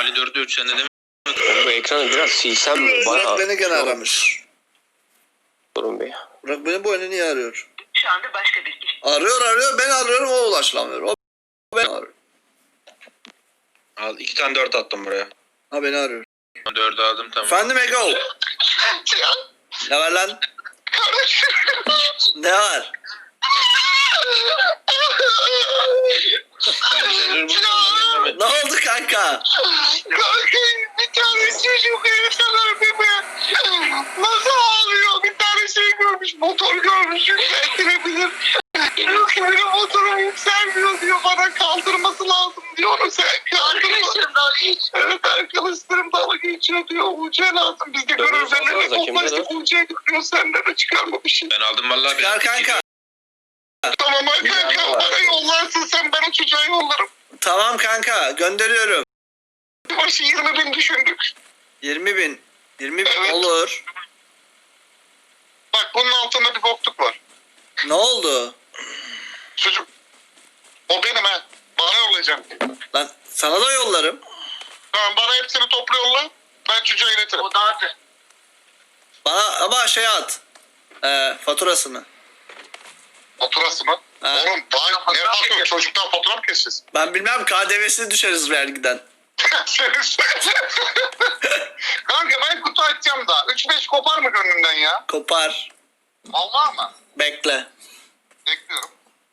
Ali 4'e 3 sende değil mi? Bu ekranı biraz silsem mi? Burak beni gene aramış. Durun bir. Burak beni bu oyunu niye arıyor? Şu anda başka bir kişi. Arıyor ben arıyorum o ulaşılamıyor. O beni arıyor. Al 2 tane 4 attım buraya. Ha beni arıyor. 4'ü aldım tamam. Efendim Ego. Ne var lan? Ne var? Ne oldu kanka? Kanka bir tane çocuk herifler bebe. Nasıl ağlıyor? Bir tane şey görmüş, motor görmüş, yükseltilebilir. Diyor ki benim motorum yükselmiyor diyor, bana kaldırması lazım diyor. Onu sen kaldırma. Evet arkadaşlarım dalga geçiyor diyor. UC lazım. Biz de görevlerle toplaştık. UC'ye gidiyor. Senden de çıkarmamışsın. Ben aldım vallahi. Çıkar kanka. Tamam kanka bana yollarsın sen, ben o çocuğa yollarım. Tamam kanka gönderiyorum. Başı 20.000 düşündük. 20.000. 20.000 Evet. olur. Bak bunun altında bir bokluk var. Ne oldu? Çocuk. O benim ha. Bana yollayacaksın. Lan sana da yollarım. Tamam bana hepsini topla yolla. Ben çocuğa iletirim. O dağıtı. Bana ama şey at. Faturasını. Faturası mı? Ha. Oğlum ne fatura? Çocuktan fatura mı keseceğiz? Ben bilmem KDV'sini düşeriz vergiden. Kanka ben kutu açacağım da. 3-5 kopar mı gönlümden ya? Kopar. Vallahi mı? Bekle. Bekliyorum.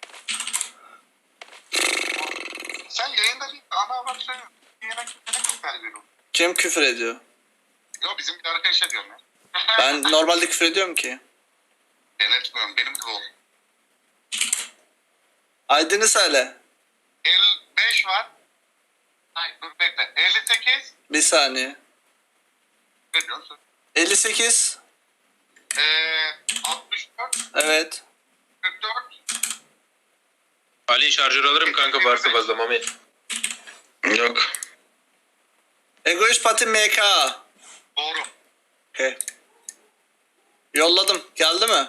Sen yayında değil. Ana bak söylüyorum. Yayına kimse küfür veriyorum. Kim küfür ediyor? Yok bizim bir arkadaşa diyorum ya. Ben normalde küfür ediyorum ki. Ben etmiyorum. Benim gibi oldu. Aydın'ı söyle. 55 var. Hayır dur bekle. 58. Bir saniye. Ne diyorsun? 58. 64. Evet. 44. Ali şarjör alırım kanka varsa fazla Mami. Yok. Egoist Pati MK. Doğru. Okay. Yolladım. Geldi mi?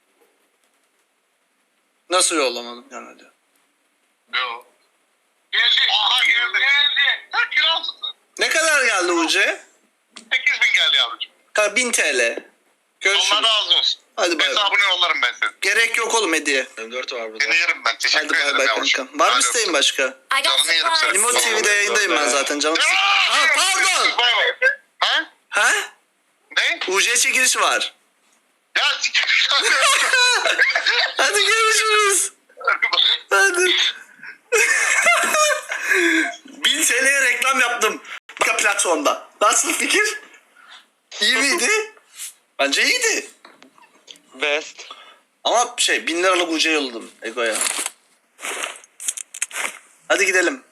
Nasıl yollamadım? Gelmedi. Yok. Geldi. Aha geldi. Geldi. Ha kiralısın. Ne kadar geldi UC? 8.000 geldi yavrucuğum. 1000 TL. Görüşürüz. Allah razı olsun. Hadi bay bay. Hesabını yollarım ben senin. Gerek yok oğlum hediye. M4 var burada. Seni yerim ben. Teşekkür Hadi bay ederim bay yavrucuğum. kankam. Var mı Hadi isteğin öptüm. başka? I got Canını yerim supplies. seni. Limo TV'de yayındayım ben zaten canım. Ha pardon. Bay bay. Ha? Ha? Ne? UC çekilişi var. Ya siktir. Hadi görüşürüz. Hadi. 1000 TL'ye reklam yaptım. Başka platformda. Nasıl fikir? İyi miydi? Bence iyiydi. Best. Ama 1000 liralık UC yolladım Ego'ya. Hadi gidelim.